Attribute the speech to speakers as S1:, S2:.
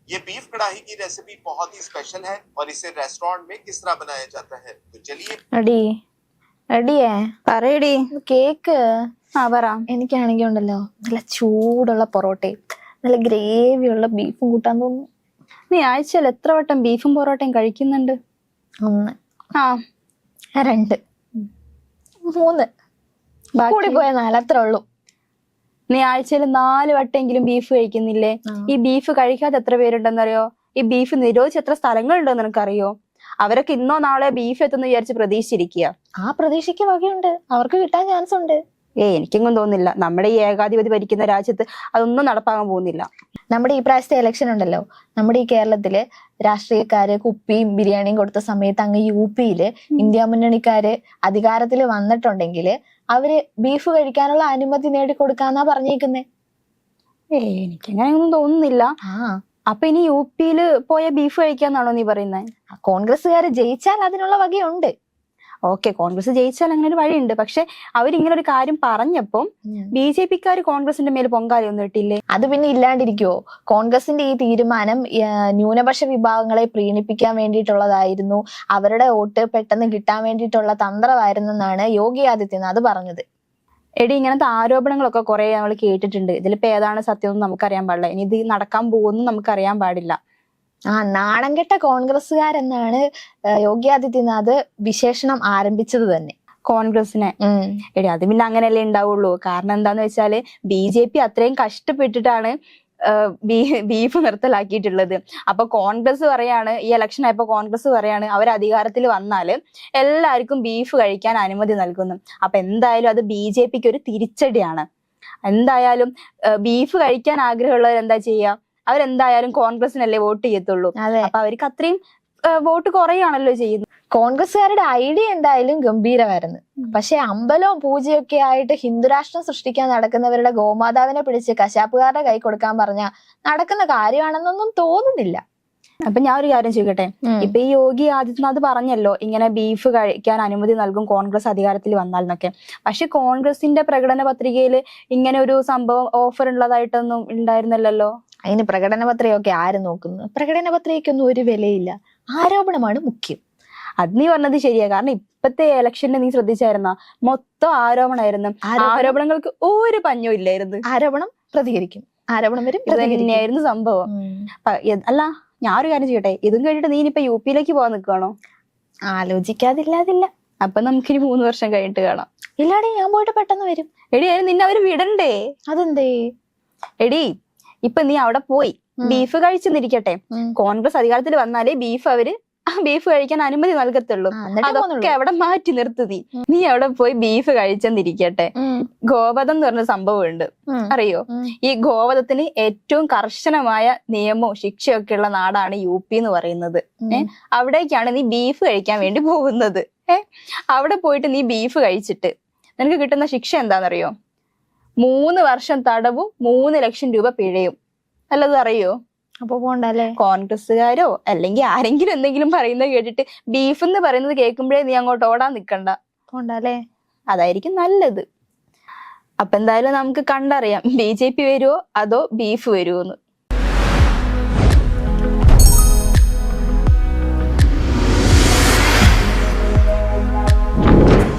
S1: ये बीफ कढ़ाई की रेसिपी बहुत ही स्पेशल है और इसे रेस्टोरेंट में किस तरह बनाया जाता है तो चलिए
S2: എടി എടിയേ
S3: പറയടി.
S2: കേക്ക്.
S3: ആ പറ.
S2: എനിക്കാണെങ്കിൽ ഉണ്ടല്ലോ നല്ല ചൂടുള്ള പൊറോട്ടയും നല്ല ഗ്രേവിയുള്ള ബീഫും കൂട്ടാൻ തോന്നുന്നു.
S3: നീ ആഴ്ചയിൽ എത്ര വട്ടം ബീഫും പൊറോട്ടയും കഴിക്കുന്നുണ്ട്?
S2: 1
S3: ആ
S2: 2 3
S3: ബാക്കി?
S2: കൂടി പോയ 4 അത്രേ ഉള്ളൂ.
S3: നീ ആഴ്ചയിൽ 4 വട്ടെങ്കിലും ബീഫ് കഴിക്കുന്നില്ലേ? ഈ ബീഫ് കഴിക്കാതെ എത്ര പേരുണ്ടെന്നറിയോ? ഈ ബീഫ് നിരോധിച്ച് എത്ര സ്ഥലങ്ങളുണ്ടെന്ന് നിനക്കറിയോ? അവരൊക്കെ ഇന്നോ നാളെ ബീഫ് എത്തുന്ന വിചാരിച്ച് പ്രതീക്ഷിച്ചിരിക്കുക.
S2: ആ പ്രതീക്ഷയ്ക്ക് വകയുണ്ട്, അവർക്ക് കിട്ടാൻ ചാൻസ് ഉണ്ട്.
S3: എനിക്കെങ്കിലും തോന്നുന്നില്ല നമ്മുടെ ഈ ഏകാധിപതി ഭരിക്കുന്ന രാജ്യത്ത് അതൊന്നും നടപ്പാകാൻ പോകുന്നില്ല.
S2: നമ്മുടെ ഈ പ്രാവശ്യത്തെ ഇലക്ഷൻ ഉണ്ടല്ലോ, നമ്മുടെ ഈ കേരളത്തില് രാഷ്ട്രീയക്കാര് കുപ്പിയും ബിരിയാണിയും കൊടുത്ത സമയത്ത് അങ്ങ് UP-യില് ഇന്ത്യ മുന്നണിക്കാര് അധികാരത്തിൽ വന്നിട്ടുണ്ടെങ്കിൽ അവര് ബീഫ് കഴിക്കാനുള്ള അനുമതി നേടിക്കൊടുക്കാന്നാ പറഞ്ഞേക്കുന്നേ.
S3: എനിക്കങ്ങനെയൊന്നും തോന്നുന്നില്ല. അപ്പൊ ഇനി UP-യില് പോയ ബീഫ് കഴിക്കാന്നാണോ നീ പറയുന്നത്?
S2: കോൺഗ്രസ്സുകാര് ജയിച്ചാൽ അതിനുള്ള വകയുണ്ട്.
S3: ഓക്കെ, കോൺഗ്രസ് ജയിച്ചാൽ അങ്ങനെ ഒരു വഴിയുണ്ട്. പക്ഷെ അവരിങ്ങനെ ഒരു കാര്യം പറഞ്ഞപ്പം BJP-ക്കാര് കോൺഗ്രസിന്റെ മേൽ പൊങ്കാലയൊന്നും ഇട്ടില്ലേ?
S2: അത് പിന്നെ ഇല്ലാണ്ടിരിക്കുവോ? കോൺഗ്രസിന്റെ ഈ തീരുമാനം ന്യൂനപക്ഷ വിഭാഗങ്ങളെ പ്രീണിപ്പിക്കാൻ വേണ്ടിയിട്ടുള്ളതായിരുന്നു, അവരുടെ വോട്ട് പെട്ടെന്ന് കിട്ടാൻ വേണ്ടിയിട്ടുള്ള തന്ത്രമായിരുന്നെന്നാണ് യോഗി ആദിത്യനാഥ് പറഞ്ഞത്.
S3: എടി, ഇങ്ങനത്തെ ആരോപണങ്ങളൊക്കെ കുറെ നമ്മൾ കേട്ടിട്ടുണ്ട്. ഇതിലിപ്പോ ഏതാണ് സത്യം എന്ന് നമുക്കറിയാൻ പാടില്ല. ഇനി ഇത് നടക്കാൻ പോകുന്നു നമുക്കറിയാൻ പാടില്ല.
S2: നാണം കെട്ട കോൺഗ്രസ്സുകാരെന്നാണ് യോഗി ആദിത്യനാഥ് വിശേഷണം ആരംഭിച്ചത് തന്നെ
S3: കോൺഗ്രസിനെ. എടി, അത് പിന്നെ അങ്ങനെയല്ലേ ഉണ്ടാവുള്ളൂ. കാരണം എന്താന്ന് വെച്ചാല് BJP അത്രയും കഷ്ടപ്പെട്ടിട്ടാണ് ബീഫ് നിർത്തലാക്കിയിട്ടുള്ളത്. അപ്പൊ കോൺഗ്രസ് പറയാണ്, ഈ ഇലക്ഷൻ ആയപ്പോ കോൺഗ്രസ് പറയാണ് അവർ അധികാരത്തിൽ വന്നാല് എല്ലാവർക്കും ബീഫ് കഴിക്കാൻ അനുമതി നൽകുന്നു. അപ്പൊ എന്തായാലും അത് BJP-ക്ക് ഒരു തിരിച്ചടിയാണ്. എന്തായാലും ബീഫ് കഴിക്കാൻ ആഗ്രഹമുള്ളവർ എന്താ ചെയ്യാ? അവരെന്തായാലും കോൺഗ്രസിനല്ലേ വോട്ട് ചെയ്യത്തുള്ളൂ. അപ്പൊ അവർക്ക് അത്രയും വോട്ട് കുറയാണല്ലോ ചെയ്യുന്നത്.
S2: കോൺഗ്രസ്സുകാരുടെ ഐഡിയ എന്തായാലും ഗംഭീരമായിരുന്നു. പക്ഷെ അമ്പലവും പൂജയും ഒക്കെ ആയിട്ട് ഹിന്ദുരാഷ്ട്രം സൃഷ്ടിക്കാൻ നടക്കുന്നവരുടെ ഗോമാതാവിനെ പിടിച്ച് കശാപ്പുകാരുടെ കൈ കൊടുക്കാൻ പറഞ്ഞ നടക്കുന്ന കാര്യമാണെന്നൊന്നും തോന്നുന്നില്ല.
S3: അപ്പൊ ഞാൻ ഒരു കാര്യം ചോദിക്കട്ടെ, ഇപ്പൊ ഈ യോഗി ആദിത്യനാഥ് പറഞ്ഞല്ലോ ഇങ്ങനെ ബീഫ് കഴിക്കാൻ അനുമതി നൽകും കോൺഗ്രസ് അധികാരത്തിൽ വന്നാൽ എന്നൊക്കെ. പക്ഷെ കോൺഗ്രസിന്റെ പ്രകടന പത്രികയിൽ ഇങ്ങനെ ഒരു സംഭവം ഓഫർ ഉള്ളതായിട്ടൊന്നും ഉണ്ടായിരുന്നില്ലല്ലോ.
S2: അതിന് പ്രകടന പത്രികയൊക്കെ ആര് നോക്കുന്നു? പ്രകടന പത്രികയ്ക്കൊന്നും ഒരു വിലയില്ല, ആരോപണമാണ് മുഖ്യം.
S3: അത് നീ പറഞ്ഞത് ശരിയാ. കാരണം ഇപ്പത്തെ ഇലക്ഷന് നീ ശ്രദ്ധിച്ചായിരുന്ന മൊത്തം ആരോപണമായിരുന്നു. ആരോപണങ്ങൾക്ക് ഒരു പഞ്ഞവും ഇല്ലായിരുന്നു.
S2: ആരോപണം പ്രതികരിക്കും, ആരോപണം വരും,
S3: തന്നെയായിരുന്നു സംഭവം. അല്ല, ഞാൻ ഒരു കാര്യം ചെയ്യട്ടെ, ഇതും കഴിഞ്ഞിട്ട് നീ ഇനിയിപ്പൊ UP-യിലേക്ക് പോകാൻ നിൽക്കുകയാണോ?
S2: ആലോചിക്കാതില്ലാതില്ല.
S3: അപ്പൊ നമുക്കിനി 3 വർഷം കഴിഞ്ഞിട്ട് കാണാം.
S2: ഇല്ലാടി, ഞാൻ പോയിട്ട് പെട്ടെന്ന് വരും.
S3: എടി, അതിന് നിന്നെ അവര് വിടണ്ടേ?
S2: അതെന്തേ?
S3: എടി, ഇപ്പൊ നീ അവിടെ പോയി ബീഫ് കഴിച്ചെന്നിരിക്കട്ടെ, കോൺഗ്രസ് അധികാരത്തിൽ വന്നാലേ ബീഫ് കഴിക്കാൻ അനുമതി നൽകത്തുള്ളൂ. അതൊക്കെ അവിടെ മാറ്റി നിർത്തി നീ അവിടെ പോയി ബീഫ് കഴിച്ചെന്നിരിക്കട്ടെ, ഗോവധം എന്ന് പറഞ്ഞ സംഭവം ഉണ്ട്, അറിയോ? ഈ ഗോവധത്തിന് ഏറ്റവും കർശനമായ നിയമവും ശിക്ഷയൊക്കെ ഉള്ള നാടാണ് UP എന്ന് പറയുന്നത്. അവിടേക്കാണ് നീ ബീഫ് കഴിക്കാൻ വേണ്ടി പോകുന്നത്. അവിടെ പോയിട്ട് നീ ബീഫ് കഴിച്ചിട്ട് നിനക്ക് കിട്ടുന്ന ശിക്ഷ എന്താണെന്നറിയോ? 3 വർഷം തടവും 3 ലക്ഷം രൂപ പിഴയും. നല്ലത് അറിയോ?
S2: അപ്പൊ പോണ്ടല്ലേ?
S3: കോൺഗ്രസ്സുകാരോ അല്ലെങ്കിൽ ആരെങ്കിലും എന്തെങ്കിലും പറയുന്നത് കേട്ടിട്ട് ബീഫ് എന്ന് പറയുന്നത് കേൾക്കുമ്പോഴേ നീ അങ്ങോട്ട് ഓടാൻ നിക്കണ്ട.
S2: പോണ്ടല്ലേ?
S3: അതായിരിക്കും നല്ലത്. അപ്പൊ എന്തായാലും നമുക്ക് കണ്ടറിയാം BJP വരുവോ അതോ ബീഫ് വരുവോന്ന്.